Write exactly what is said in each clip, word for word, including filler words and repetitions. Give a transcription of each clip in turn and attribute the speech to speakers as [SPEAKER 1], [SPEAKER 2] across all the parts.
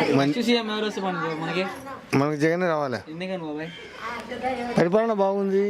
[SPEAKER 1] మనకి జగన్ రావాలి. పరిపాలన బాగుంది.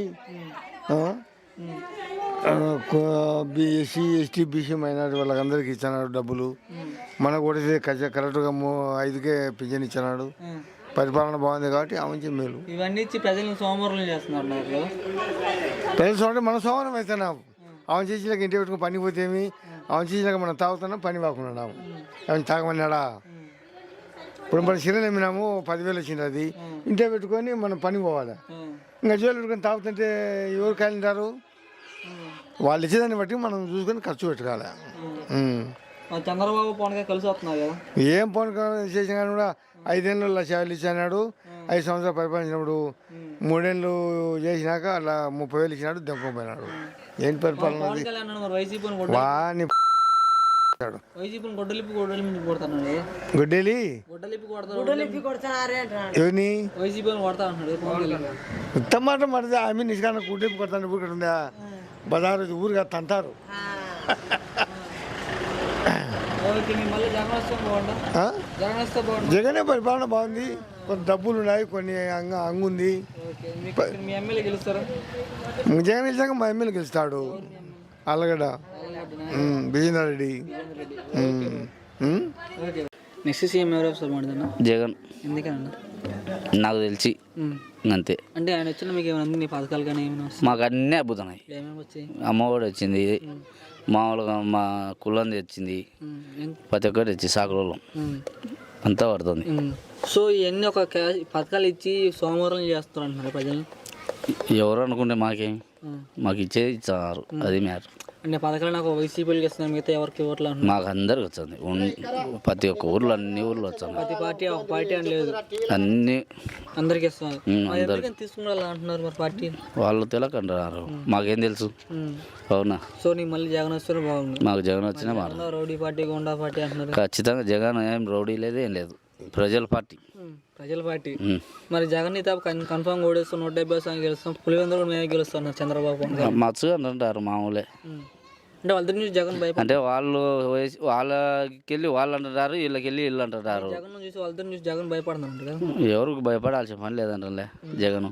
[SPEAKER 1] ఎస్సీ ఎస్టీ బీసీ మైనార్టీ వాళ్ళకందరికి ఇచ్చినాడు డబ్బులు. మనకు కూడా కరెక్ట్గా ఐదుకే పింఛన్ ఇచ్చినాడు. పరిపాలన బాగుంది కాబట్టి ఆమె మేలు.
[SPEAKER 2] ఇవన్నీ ఇచ్చి ప్రజలను సోమవారం చేస్తున్నారు.
[SPEAKER 1] ప్రజలు సోమవారం మన సోమవారం అవుతున్నాం. ఆమె చేసినాక ఇంటి పెట్టుకుని పని పోతేమి, ఆమె చేసినాక మనం తాగుతున్నాం, పని వాకున్నాము. ఆమె తాగమన్నాడా? ఇప్పుడు మనం సిరలు అమ్మినాము, పదివేలు వచ్చింది. అది ఇంటే పెట్టుకొని మనం పని పోవాలి. ఇంకా జోలు పెట్టుకొని తాగుతుంటే ఎవరు కాలింటారు? వాళ్ళు ఇచ్చేదాన్ని బట్టి మనం చూసుకొని ఖర్చు పెట్టుకోవాలి.
[SPEAKER 2] చంద్రబాబు పవన్ కలిసి వస్తున్నారు కదా.
[SPEAKER 1] ఏం పవన్ చేసిన కానీ కూడా ఐదేళ్ళు లక్ష యాభై ఇచ్చినాడు. ఐదు సంవత్సరాలు పరిపాలించినప్పుడు మూడేళ్ళు చేసినాక అలా ముప్పై వేలు ఇచ్చినాడు, దెంకపోయినాడు. ఏంటి పరిపాలన? వాని గుడ్డేలి ఎవరిని ఉత్తమాట మరిది ఆమె నిష్కాన గుడ్డెప్పు కొడతాను. ఊరు ఉందా బజారు ఊరుగా తంటారు. జగనే పరిపాలన బాగుంది. కొన్ని డబ్బులు ఉన్నాయి, కొన్ని అంగ అంగుంది. జగన్ గెలిచాక మా ఎమ్మెల్యే గెలుస్తాడు. అల్లగడ్డ విజేందర్ రెడ్డి.
[SPEAKER 2] నెక్స్ట్ సీఎం ఎవరు?
[SPEAKER 3] జగన్.
[SPEAKER 2] ఎందుకన్నా?
[SPEAKER 3] నాకు తెలిసి అంతే.
[SPEAKER 2] అంటే ఆయన వచ్చిన మీకు ఏమైనా నీ పథకాలు కానీ ఏమైనా?
[SPEAKER 3] మాకు అన్నీ అద్భుతన్నాయి. అమ్మఒడి వచ్చింది, మామూలుగా మా కులంది వచ్చింది, ప్రతి ఒక్కటి వచ్చి సాకులలో అంతా పడుతుంది.
[SPEAKER 2] సో ఇవన్నీ ఒక పథకాలు ఇచ్చి సోమవారం చేస్తారు అంటున్నారు ప్రజలు.
[SPEAKER 3] ఎవరు అనుకుంటే మాకేం, మాకు ఇచ్చేది ఇచ్చారు. అది మ్యాటర్.
[SPEAKER 2] అంటే పథకాలు నాకు వైసీపీకి ఇస్తున్నాను, మిగతా ఎవరికి ఓట్లు అంటున్నారు?
[SPEAKER 3] మాకు అందరికి వచ్చింది. ప్రతి ఒక్క ఊర్లో అన్ని ఊర్లో వచ్చాను.
[SPEAKER 2] ప్రతి పార్టీ ఒక పార్టీ అని లేదు,
[SPEAKER 3] అన్ని
[SPEAKER 2] అందరికి ఇస్తున్నారు. తీసుకున్నారు అంటున్నారు మరి పార్టీ
[SPEAKER 3] వాళ్ళు తెలియకంటున్నారు. మాకేం తెలుసు? అవునా?
[SPEAKER 2] సో నీకు మళ్ళీ జగన్ వస్తే బాగుంది.
[SPEAKER 3] మాకు జగన్ వచ్చినా బాగుంది.
[SPEAKER 2] రౌడీ పార్టీ, గుండా పార్టీ అంటున్నారు.
[SPEAKER 3] ఖచ్చితంగా జగన్ ఏం రౌడీ లేదు, ఏం లేదు. ప్రజల పార్టీ.
[SPEAKER 2] ప్రజల పార్టీ. మరి జగన్ నీ తాపు కన్ఫర్మ్ ఓడిస్తాం, నూట డెబ్బై సార్లు గెలుస్తాం, పులివెందులు కూడా మేమే గెలుస్తాం చంద్రబాబు.
[SPEAKER 3] మచ్చుగా అంటారు మామూలే.
[SPEAKER 2] అంటే వాళ్ళ నుంచి జగన్ భయపడి,
[SPEAKER 3] అంటే వాళ్ళు వాళ్ళకెళ్ళి వాళ్ళు అంటారు, వీళ్ళకెళ్ళి వీళ్ళు అంటారు.
[SPEAKER 2] జగన్ చూసి వాళ్ళ నుంచి జగన్ భయపడుతున్నారు కదా.
[SPEAKER 3] ఎవరికి భయపడాల్సిన పని లేదంటే జగన్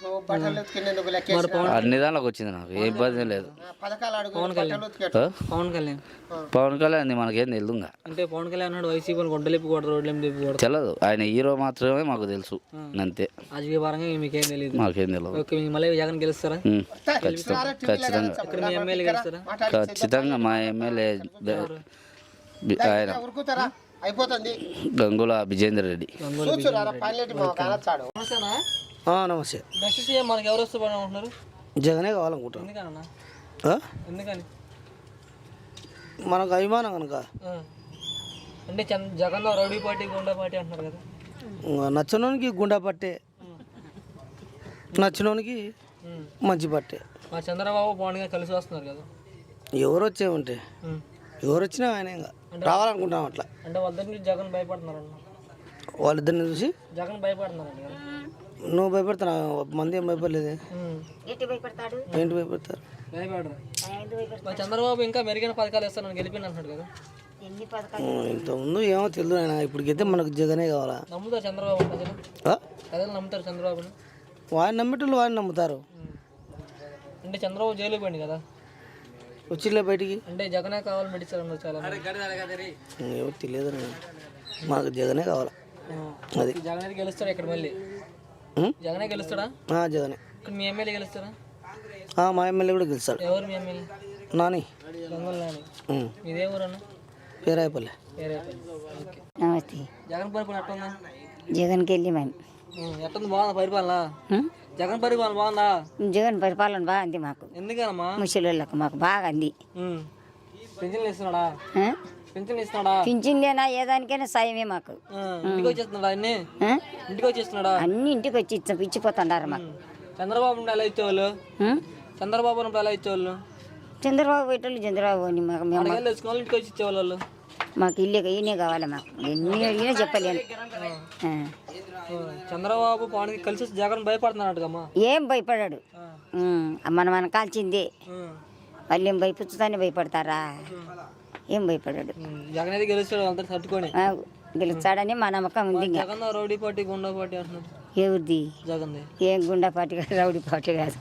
[SPEAKER 3] అన్ని దానిలోకి వచ్చింది. నాకు ఏ ఇబ్బంది లేదు.
[SPEAKER 2] పవన్ కళ్యాణ్ పవన్ కళ్యాణ్
[SPEAKER 3] పవన్ కళ్యాణ్ మనకేం తెలుదు.
[SPEAKER 2] అంటే పవన్ కళ్యాణ్ అన్నాడు వైసీపీ గొడ్డలిప్పి కొడతారు, రోడ్లు
[SPEAKER 3] తెలియదు. ఆయన హీరో మాత్రమే మాకు తెలుసు, అంతే.
[SPEAKER 2] రాజకీయ పరంగా మీకేం తెలియదు.
[SPEAKER 3] మాకేం తెలియదు.
[SPEAKER 2] ఓకే, మళ్ళీ జగన్ గెలుస్తారా?
[SPEAKER 3] ఖచ్చితంగా ఖచ్చితంగా
[SPEAKER 2] ఎమ్మెల్యే గెలుస్తారా?
[SPEAKER 3] ఖచ్చితంగా మా ఎమ్మెల్యే ఆయన గంగుల విజేందర్ రెడ్డి.
[SPEAKER 2] నమస్తే. నెక్స్ట్ సీఎం మనకి ఎవరు వస్తే బాగుంటున్నారు?
[SPEAKER 4] జగనే కావాలనుకుంటున్నాను.
[SPEAKER 2] ఎందుకన్నా? ఎందుకని?
[SPEAKER 4] మనకు అభిమానం కనుక.
[SPEAKER 2] అంటే Jagan rowdy party, goonda party అంటున్నారు కదా.
[SPEAKER 4] నచ్చినోనికి గుండా పట్టే, నచ్చినోనికి మంచి పట్టే.
[SPEAKER 2] మా చంద్రబాబు పవన్ గారు కలిసి వస్తున్నారు కదా.
[SPEAKER 4] ఎవరు వచ్చే ఉంటే ఎవరు వచ్చినా ఆయన ఇంకా రావాలనుకుంటాం అట్లా.
[SPEAKER 2] అంటే వాళ్ళిద్దరిని చూసి జగన్ భయపడుతున్నారు అన్న.
[SPEAKER 4] వాళ్ళిద్దరిని చూసి
[SPEAKER 2] జగన్ భయపడుతున్నారు.
[SPEAKER 4] నువ్వు భయపడుతున్నా, మంది ఏం భయపడలేదు. ఏంటి భయపడతారు?
[SPEAKER 2] భయపడరు. చంద్రబాబు ఇంకా మెరుగైన పథకాలు ఇస్తాను గెలిపిన అంటున్నాడు కదా.
[SPEAKER 4] ఇంతకుముందు ఏమో తెలియదు ఆయన, ఇప్పటికైతే మనకు జగనే కావాలా.
[SPEAKER 2] నమ్ముతారు చంద్రబాబు ప్రజలు? ప్రజలు నమ్ముతారు చంద్రబాబుని?
[SPEAKER 4] వాడిని నమ్మేటోళ్ళు వాడిని నమ్ముతారు.
[SPEAKER 2] అంటే చంద్రబాబు జైలుకి పోయింది కదా,
[SPEAKER 4] వచ్చిలే బయటికి.
[SPEAKER 2] అంటే జగనే కావాలి మెడిసిన్ చాలా
[SPEAKER 4] ఏమో తెలియదు. మాకు జగనే కావాలా. అది
[SPEAKER 2] జగన్ గెలుస్తాడా ఇక్కడ? మళ్ళీ జగనే గెలుస్తాడా?
[SPEAKER 4] జగనే.
[SPEAKER 2] ఇక్కడ మీ ఎమ్మెల్యే గెలుస్తాడా?
[SPEAKER 4] మా ఎమ్మెల్యే కూడా గెలుస్తాడు.
[SPEAKER 2] ఎవరు మీ ఎమ్మెల్యే?
[SPEAKER 4] నాని.
[SPEAKER 2] గంగుల నాని. ఇదే ఊరు అన్న?
[SPEAKER 4] పేరాయపల్లి.
[SPEAKER 5] నమస్తే.
[SPEAKER 2] జగన్ పరిపాలన ఎట్టుందా?
[SPEAKER 5] జగన్కి వెళ్ళి మేము
[SPEAKER 2] ఎట్టుంది? బాగుందా పరిపాలన? జగన్ పరిపాలన బాగుందా?
[SPEAKER 5] జగన్ పరిపాలన బాగుంది మాకు.
[SPEAKER 2] ఎందుకనమ్మా?
[SPEAKER 5] ముసలిళ్ళకు మాకు బాగా అంది.
[SPEAKER 2] పింఛన్లు ఇస్తున్నాడా? పింఛన్లు ఇస్తున్నాడా?
[SPEAKER 5] పింఛన్లేనా ఏదానికైనా సాయమే మాకు.
[SPEAKER 2] ఇంటికి వచ్చేస్తున్నాడా? అన్ని ఇంటికి వచ్చేస్తున్నాడా?
[SPEAKER 5] అన్ని ఇంటికి వచ్చి ఇచ్చిపోతున్నారు మాకు.
[SPEAKER 2] చంద్రబాబు నుండి ఎలా ఇచ్చేవాళ్ళు? చంద్రబాబు నుండి ఎలా ఇచ్చేవాళ్ళు?
[SPEAKER 5] చంద్రబాబు పెట్టాలి. చంద్రబాబు అని మాకు
[SPEAKER 2] ఇంటికి వచ్చి ఇచ్చేవాళ్ళు.
[SPEAKER 5] మాకు ఇల్లు ఈయనే కావాలి. మాకు ఎన్ని అడిగినా చెప్పలేను.
[SPEAKER 2] చంద్రబాబు పవన్ కలిసి జగన్ భయపడుతున్నాడు.
[SPEAKER 5] ఏం భయపడాడు? మన మన కాల్చిందే. వాళ్ళు ఏం భయపుచ్చుతానే భయపడతారా? ఏం భయపడాడు.
[SPEAKER 2] జగన్ అయితే గెలుస్తాడు అందరు తట్టుకొని.
[SPEAKER 5] గెలుస్తాడని మా నమ్మకం ఉంది ఇంకా.
[SPEAKER 2] Jagan rowdy party goonda party అంటున్నారు.
[SPEAKER 5] ఎవరిది?
[SPEAKER 2] జగన్ది.
[SPEAKER 5] ఏం గుండా పార్టీ కాదు, రౌడీ పార్టీ కాదు,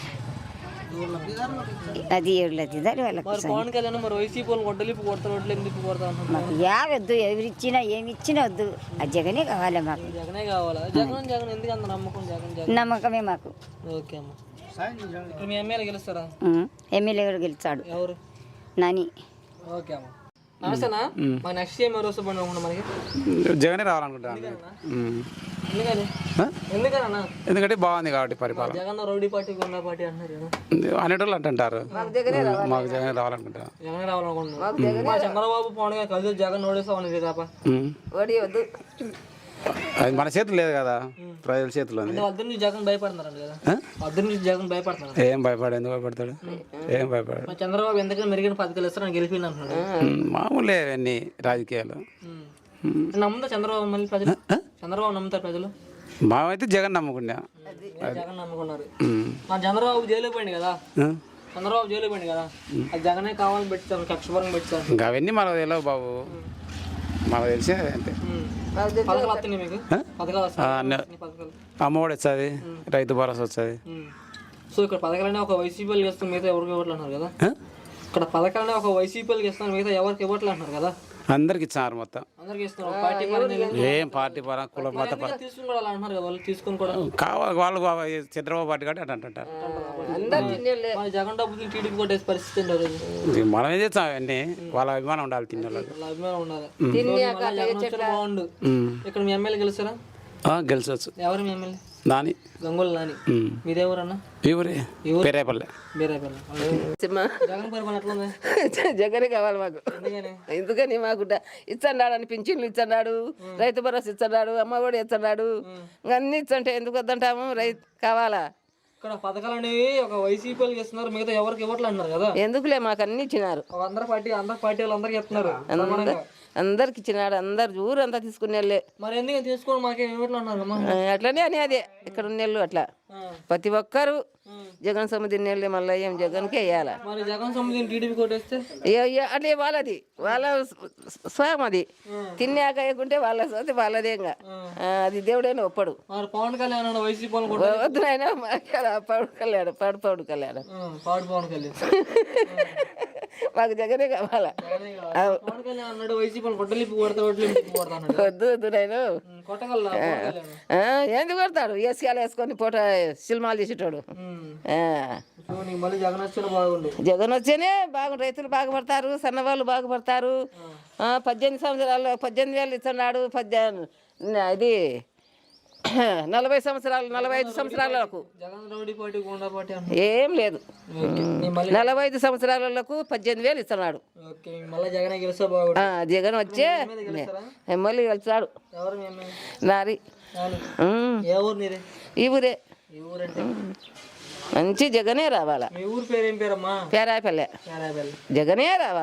[SPEAKER 5] అది ఎవరిది దాని వాళ్ళకి.
[SPEAKER 2] మరి పవన్ కళ్యాణ్ మరి వైసీపీ వాళ్ళు గొడ్డలిపి కొడతారు, రోడ్లు ఎందుకు కొడతా అంటున్నారు.
[SPEAKER 5] మాకు యావద్దు, ఎవరిచ్చినా ఏమి ఇచ్చినా వద్దు, ఆ జగనే కావాలి మాకు.
[SPEAKER 2] జగనే కావాలా? జగన్ జగన్ ఎందుకు అంత నమ్మకం? జగన్ జగన్
[SPEAKER 5] నమ్మకమే మాకు.
[SPEAKER 2] ఓకే అమ్మ. ఇప్పుడు మీ ఎమ్మెల్యే గెలుస్తారా?
[SPEAKER 5] ఉం. ఎమ్మెల్యే కూడా గెలిచాడు
[SPEAKER 2] ఎవరు?
[SPEAKER 5] నాని.
[SPEAKER 2] ఓకే అమ్మ. నమస్తేనా. మా నెక్స్ట్ ఏం ఎవరు వస్తే పండుగ మనకి?
[SPEAKER 6] జగనే రావాలనుకుంటాను.
[SPEAKER 2] ఎందుకని? ఎందుకన్నా?
[SPEAKER 6] ఎందుకంటే బాగుంది కాబట్టి పరిపాలన.
[SPEAKER 2] Jagan rowdy party goonda party అంటున్నారు కదా.
[SPEAKER 6] అనేటోళ్ళు అంటుంటారు. మాకు జగనే రావాలనుకుంటాను.
[SPEAKER 2] జగన్ రావాలనుకుంటున్నారు. మా చంద్రబాబు పవన్ గారు కలిసి జగన్ ఓడిస్తామని తప్ప
[SPEAKER 6] అది మన చేతులు లేదు కదా, ప్రజల చేతిలో ఉంది.
[SPEAKER 2] వద్దు నుంచి జగన్ భయపడుతున్నారండి కదా. వద్దు నుంచి జగన్ భయపడుతున్నారు.
[SPEAKER 6] ఏం భయపడు, ఎందుకు భయపడతాడు? ఏం భయపడాడు.
[SPEAKER 2] మా చంద్రబాబు ఎందుకని మెరుగైన పథకాలు ఇస్తారని గెలిపిండి అంటున్నాడు.
[SPEAKER 6] మామూలే అవన్నీ రాజకీయాలు.
[SPEAKER 2] నమ్ముతా చంద్రబాబు మళ్ళీ ప్రజలు? చంద్రబాబు నమ్ముతారు ప్రజలు?
[SPEAKER 6] మామైతే జగన్ నమ్ముకున్నా.
[SPEAKER 2] జగన్ నమ్ముకున్నారు. మా చంద్రబాబు జైలు పోయింది కదా. చంద్రబాబు జైలు పోయింది కదా, అది జగనే కావాలని పెట్టారు, కక్షపరం పెట్టారు.
[SPEAKER 6] ఇంకా అవన్నీ మనకు తెలియవు బాబు, మనకు తెలిసే అంతే.
[SPEAKER 2] పథకాలు వస్తున్నాయి మీకు? పథకాలు వస్తాయి. పథకాలు
[SPEAKER 6] అమ్మఒడి వస్తుంది, రైతు భరోసా వస్తుంది.
[SPEAKER 2] సో ఇక్కడ పథకాలనే ఒక వైసీపీలు ఇస్తాం, మిగతా ఎవరికి ఇవ్వట్లు అంటున్నారు కదా. ఇక్కడ పథకాలనే ఒక వైసీపీలకు ఇస్తాను, మిగతా ఎవరికి ఇవ్వట్లు అంటున్నారు కదా.
[SPEAKER 6] అందరికి ఇచ్చినారు మొత్తం.
[SPEAKER 2] అందరికి ఇస్తున్నారు. పార్టీ పరంగా
[SPEAKER 6] ఏం పార్టీ పరం కుల మత పరం
[SPEAKER 2] తీసుకుని కూడా అలా అంటున్నారు కదా. వాళ్ళు తీసుకుని కూడా
[SPEAKER 6] కావాలి, వాళ్ళు చంద్రబాబు పార్టీ కాబట్టి అట్లా అంటారు.
[SPEAKER 2] మరి జగన్ డబ్బులు టీడీపీ కొట్టేసి పరిస్థితి ఉండదు.
[SPEAKER 6] మనం ఏం చేస్తాం అవన్నీ, వాళ్ళ అభిమానం ఉండాలి తిన్న వాళ్ళకి.
[SPEAKER 2] వాళ్ళ అభిమానం ఉండాలి. జగన్ వస్తే బాగుండు. ఇక్కడ మీ ఎమ్మెల్యే గెలుస్తారా?
[SPEAKER 6] గెలిచవచ్చు.
[SPEAKER 2] ఎవరు మీ ఎమ్మెల్యే?
[SPEAKER 6] నాని,
[SPEAKER 2] గంగోలు నాని. మీదేవరన్నా?
[SPEAKER 6] ఈ ఊరే పేరేపల్లె.
[SPEAKER 2] బీరాపల్లి. జగన్ పరిపాలన ఎట్లా ఉంది?
[SPEAKER 7] జగనే కావాలి మాకు.
[SPEAKER 2] ఎందుకని?
[SPEAKER 7] ఎందుకని మాకు ఇచ్చన్నాడు అని పింఛన్లు ఇచ్చన్నాడు, రైతు భరోసా ఇచ్చన్నాడు, అమ్మ ఒడి ఇచ్చన్నాడు, అన్ని ఇచ్చంటే ఎందుకు వద్దంటాము? రైతు కావాలా?
[SPEAKER 2] ఇక్కడ పథకాలు అనేవి ఒక వైసీపీలకు ఇస్తున్నారు, మిగతా ఎవరికి ఇవ్వట్లు అంటున్నారు కదా.
[SPEAKER 7] ఎందుకులే మాకు అన్ని ఇచ్చినారు.
[SPEAKER 2] అందరు పార్టీ అందరు పార్టీ వాళ్ళు అందరికి ఇస్తున్నారు.
[SPEAKER 7] అందరికి ఇచ్చినాడు, అందరు ఊరంతా తీసుకునే వాళ్ళే.
[SPEAKER 2] మరి ఎందుకు తీసుకోండి మాకేం ఇవ్వట్లు అన్నారు.
[SPEAKER 7] అట్లనే అని అదే ఇక్కడ ఉన్నెళ్ళు అట్లా ప్రతి ఒక్కరు జగన్ సమితి నెల్లి మళ్ళీ ఏం జగన్కే వేయాలా.
[SPEAKER 2] మరి జగన్ సమితిని టీడీపీ కొట్టేస్తే
[SPEAKER 7] అట్లే వాళ్ళది, వాళ్ళ స్వయం అది. తిన్నాక వేయకుంటే వాళ్ళ సోతి వాళ్ళదే. ఇంకా అది దేవుడైనా ఒప్పడు.
[SPEAKER 2] మరి పవన్ కళ్యాణ్ వైసీపీ
[SPEAKER 7] వద్దు నాయన పవన్ కళ్యాణ్ పాడు పవన్ కళ్యాణ్
[SPEAKER 2] పాడు పవన్ కళ్యాణ్
[SPEAKER 7] మాకు జగనే కావాలా.
[SPEAKER 2] పవన్ కళ్యాణ్ అన్నాడు వైసీపీ కొట్టలిపి కొడతా కొట్టలిపి
[SPEAKER 7] వద్దు వద్దు నేను
[SPEAKER 2] కొట్టగల.
[SPEAKER 7] ఎందుకు కొడతాడు? ఏసీఆలు వేసుకొని పూట సినిమాలు చేసేటోడు.
[SPEAKER 2] మళ్ళీ జగన్ వచ్చిన బాగుండు.
[SPEAKER 7] జగన్ వచ్చేనే బాగుండు, రైతులు బాగుపడతారు, సన్నవాళ్ళు బాగుపడతారు. పద్దెనిమిది సంవత్సరాలు పద్దెనిమిది వేలు ఇస్తున్నాడు. పద్దెనిమిది ఇది నలభై సంవత్సరాలు నలభై ఐదు సంవత్సరాలకు ఏం లేదు. నలభై ఐదు సంవత్సరాలకు పద్దెనిమిది వేలు ఇస్తున్నాడు. జగన్ వచ్చే మళ్ళీ వెళ్తాడు. నారి ఈ ఊరే మంచి జగనే రావాలా.
[SPEAKER 2] పేరాపల్లె
[SPEAKER 7] జగనే రావాలి.